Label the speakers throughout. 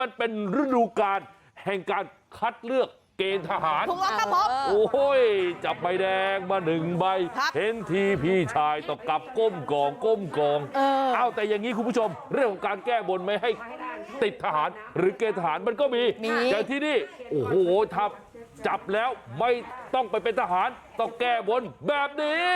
Speaker 1: มันเป็นฤดูกาลแห่งการคัดเลือกเกณฑ์ทหาร
Speaker 2: ถูกแล้วครับผม
Speaker 1: โอ้ยจับใบแดงมา1 ใบเห็นทีพี่ชายต้องกลับก้มกองเอาแต่อย่างนี้คุณผู้ชมเรื่องของการแก้บนไม่ให้ติดทหารหรือเกณฑ์ทหารมันก็มีอย่างที่นี่โอ้โหถ้าจับแล้วไม่ต้องไปเป็นทหารต้องแก้บนแบบนี้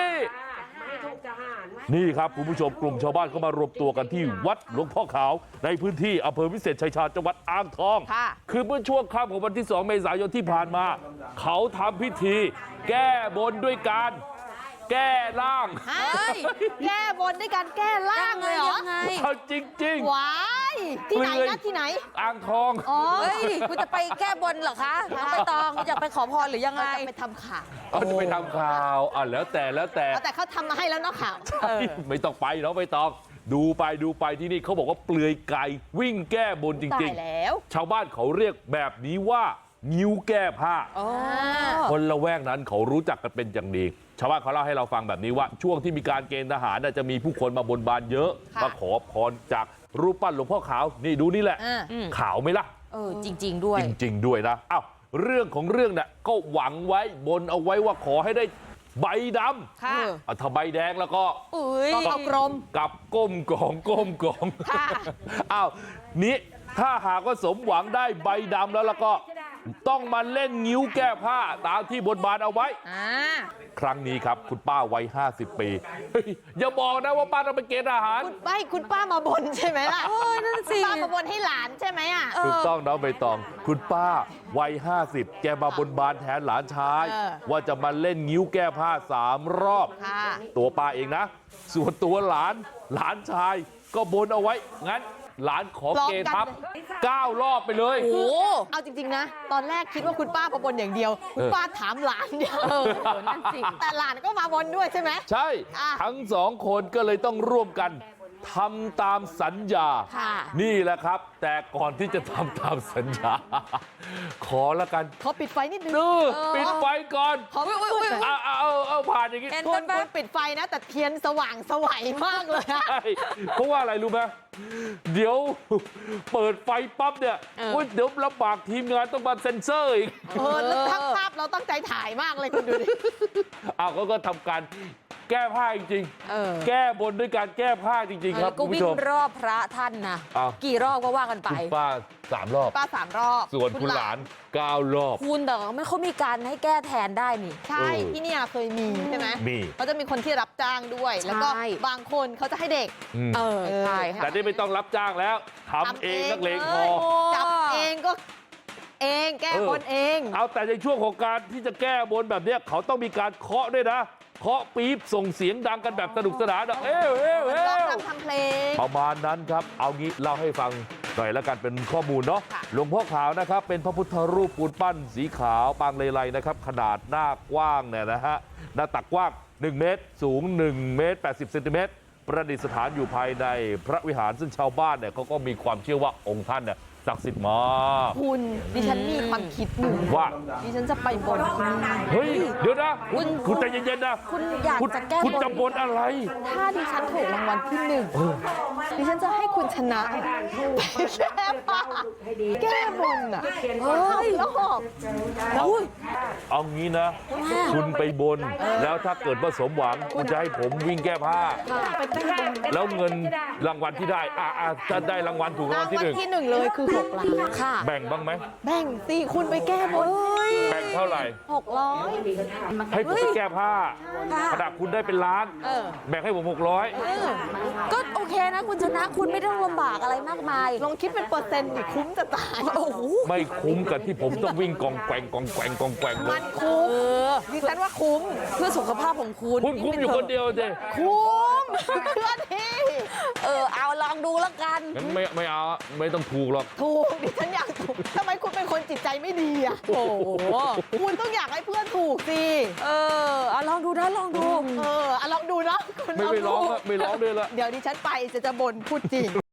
Speaker 1: นี่ครับคุณผู้ชมกลุ่มชาวบ้านเขามารวมตัวกันที่วัดหลวงพ่อขาวในพื้นที่อำเภอวิเศษชัยชาญจังหวัดอ่างทองคือเมื่อช่วงค่ำของวันที่2 เมษายนที่ผ่านมาเขาทำพิธีแก้บนด้วยการแก้ร่าง
Speaker 2: แก้บนด้วยการแก้ร่างเลยเหรอ
Speaker 1: จริง
Speaker 2: ว้ายที่ไหนนะที่ไหน
Speaker 1: อ่างทอง
Speaker 3: คุณจะไปแก้บนเหรอคะไปตองจะไปขอพรหรือยังไง
Speaker 2: ไปทำข่าว
Speaker 1: จะไปทำข่าวแล้วแต่
Speaker 2: เขาทำมาให้แล้วเนาะข่าว
Speaker 1: ไม่ต้องไปเนาะไม่ต้องดูไปที่นี่เขาบอกว่าเปลือยไก่วิ่งแก้บนจริงๆชาวบ้านเขาเรียกแบบนี้ว่างิ้วแก้ผ้าคนละแวกนั้นเขารู้จักกันเป็นอย่างดีชาวบ้านเขาเล่าให้เราฟังแบบนี้ว่าช่วงที่มีการเกณฑ์ทหารจะมีผู้คนมาบนบานเยอะมาขอพรจากรูปปั้นหลวงพ่อขาวนี่ดูนี่แหละขาวไหมล่ะ
Speaker 3: จริงด้วย
Speaker 1: นะอ้าวเรื่องของเรื่องเนี่ยก็หวังไว้บนเอาไว้ว่าขอให้ได้ใบดำถ้าใบแดงแล้วก็
Speaker 2: กลม
Speaker 1: กับก้มกองอ้าวนี้ถ้าหากว่าสมหวังได้ใบดำแล้วก็ต้องมาเล่นงิ้วแก้ผ้าตามที่บนบานเอาไว้ครั้งนี้ครับคุณป้าวัย50 ปีอย่าบอกนะว่าป้าต้องไปเกณฑ์ทหาร
Speaker 2: คุณป้ามาบนใช่ไหมล่ะ
Speaker 3: นั่นสิ
Speaker 2: ป้ามาบนให้หลานใช่ไหม
Speaker 1: ถูกต้องน้องใบตองคุณป้าวัย50แกมาบนบานแทนหลานชายว่าจะมาเล่นงิ้วแก้ผ้า3 รอบตัวป้าเองนะส่วนตัวหลานชายก็บนเอาไว้งั้นหลานขอเกณฑ์ทัพ9 รอบไปเลย
Speaker 2: โอ้เอาจริงๆนะตอนแรกคิดว่าคุณป้ามาบนอย่างเดียวคุณป้าถามหลานเดียวนั่นสิแต่หลานก็มาบนด้วยใช่ไหม
Speaker 1: ใช่ทั้ง2 คนก็เลยต้องร่วมกันทำตามสัญญานี่แหละครับแต่ก่อนที่จะทำตามสัญญาขอละกัน
Speaker 2: ขอปิดไฟนิดนึง
Speaker 1: ปิดไฟก่อน
Speaker 2: เอา
Speaker 1: ผ่านอย่างนี้
Speaker 2: คุณปิดไฟนะแต่เทียนสว่างสวัยมากเลย
Speaker 1: เพราะว่าอะไรรู้ไหมเดี๋ยวเปิดไฟปั๊บเนี่ยเดี๋ยวลำบากทีมงานต้องมาเซ็นเซอร์อีก
Speaker 2: แล้วทั้งภาพเราตั้งใจถ่ายมากเลยคุณดูดิ
Speaker 1: ก็ทำการแก้ผ้าจริงๆแก้บนด้วยการแก้ผ้าจริงๆครับ
Speaker 3: ก็วิ่งรอบพระท่านนะกี่รอบก็ว่ากันไป
Speaker 1: ป้า3 รอบ
Speaker 2: 3 รอบ
Speaker 1: ส่วนคุณหลาน9 รอบ
Speaker 3: คุณแต่ไม่เขามีการให้แก้แทนได้นี่
Speaker 2: ใช่ที่นี่เคยมีใช่ไหมเขาจะมีคนที่รับจ้างด้วยแล้วก็บางคนเขาจะให้เด็ก
Speaker 3: ใช่ค่ะ
Speaker 1: แต่นี่ไม่ต้องรับจ้างแล้วทำเองนักเลงพอ
Speaker 2: จับเองก็แก้บนเอง
Speaker 1: เอาแต่ในช่วงของการที่จะแก้บนแบบนี้เขาต้องมีการเคาะด้วยนะเคาะปี๊บส่งเสียงดังกันแบบสนุกสนาน
Speaker 2: ทำเพลง
Speaker 1: ประมาณนั้นครับเอางี้เล่าให้ฟังหน่อยแล้วกันเป็นข้อมูลเนาะหลวงพ่อขาวนะครับเป็นพระพุทธรูปปูนปั้นสีขาวปางเลไลนะครับขนาดหน้ากว้างเนี่ยนะฮะหน้าตักกว้าง1 เมตรสูง1 เมตร 80 เซนติเมตรประดิษฐานอยู่ภายในพระวิหารซึ่งชาวบ้านเนี่ยเขาก็มีความเชื่อว่าองค์ท่านเนี่ยศักดิ์สิทธิ์มาก
Speaker 2: คุณดิฉันมีความคิดหนึ่ง
Speaker 1: ว่า
Speaker 2: ดิฉันจะไปบนที่นี่
Speaker 1: เฮ้ยเดี๋ยวนะคุณใจเย็นๆนะ
Speaker 3: คุณอยากจะแก้บน
Speaker 1: คุณจะบนอะไร
Speaker 2: ถ้าดิฉันถูกรางวัลที่1ดิฉันจะให้คุณชนะแก้บนอ่ะแล้วหอบ
Speaker 1: เอางี้นะคุณไปบนแล้วถ้าเกิดว่าสมหวังคุณจะให้ผมวิ่งแก้ผ้าแล้วเงินรางวัลที่ได้จะได้รางวัลถูกรางวัลที่
Speaker 2: 1เลยคือ6 ล้าน
Speaker 3: ค่ะ
Speaker 1: แบ่งบ้างไหม
Speaker 2: แบ่งสิคุณไปแก้บน
Speaker 1: แบ่งเท่าไหร่
Speaker 2: 600
Speaker 1: ให้ผมไปแก้ผ้าขนาดคุณได้เป็นล้านแบ่งให้ผม600
Speaker 3: ก็โอเคนะคุณชนะคุณไม่ต้องลำบากอะไรมากมาย
Speaker 2: ลองคิดเป็นเปอร์เซ็นต์ดิคุ้มจะตาย
Speaker 1: ไม่คุ้มกับที่ผมต้องวิ่งกองแกว่ง
Speaker 2: มันคุ้มดิฉันว่าคุ้ม
Speaker 3: เพื่อสุขภาพของคุณ
Speaker 1: คุ้มอยู่คนเดียวเจ
Speaker 2: คุ้มเพื่อที่
Speaker 3: เอาลองดูแล้วกัน
Speaker 1: ไม่เอาไม่ต้องถูกหรอก
Speaker 2: ถูกดิฉันอยากถูกทำไมคุณเป็นคนจิตใจไม่ดีโอ้โหคุณต้องอยากให้เพื่อนถูกสิ
Speaker 3: ลองดูนะลองดู
Speaker 2: ลองดูนะ
Speaker 1: ไม่ร้องด้วยละ
Speaker 2: เดี๋ยวดิฉันไปจะบ่นพูดจริง